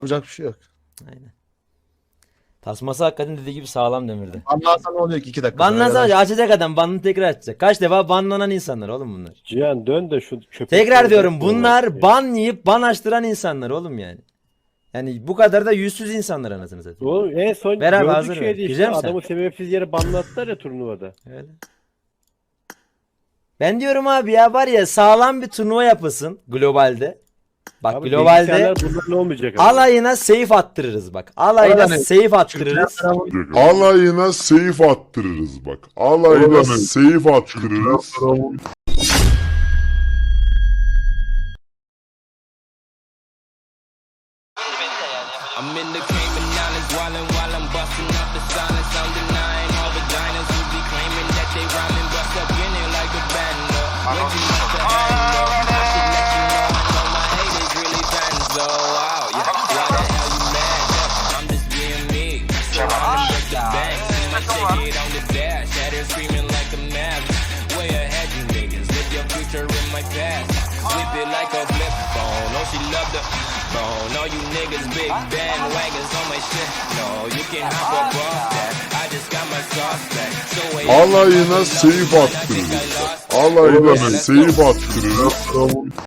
Yapacak bir şey yok. Aynen. Tasması hakikaten dediği gibi sağlam demirdi. Banlarsan oluyor ki 2 dakika. Banlansa açacak adam. Banını tekrar açacak. Kaç defa banlanan insanlar oğlum bunlar. Cihan dön de şu köpek. Tekrar diyorum bunlar ban yiyip ban açtıran insanlar oğlum yani. Yani bu kadar da yüzsüz insanlar anasını satayım. Oğlum en son Beraber gördük hazır ver. şeydi işte. Güzel mi sen? Adamı sebepsiz yere banlattılar ya turnuvada. Öyle. Ben diyorum abi ya var ya sağlam bir turnuva yapılsın globalde. Bak Abi globalde bilgisayarlar bundan olmayacak abi. alayına save attırırız bak. Alayına Öyle mi? save attırırız. Alayına seyif attırırız bak. Alayına seyif attırırız. I'm in the Cayman Islands wildin' while I'm busting up the silence. I'm denying all vaginas who be claiming that they rhyming, bust up in it like a band. Way too much to handle. I should let you know I know my haters really fans though. Wow, yeah. Why the hell you mad? Yeah, I'm just being me. So I'm break the bank. See my ticket on the dash. Had her screaming like a mad. Way ahead you niggas. Live your future in my past. Whip it like a flip phone. Oh, she loved the phone. All you niggas big bandwagons on my shit. No, you can hop up off that. I just got my sauce back. So Alayına seyif attırırız. Alayına seyif attırırız.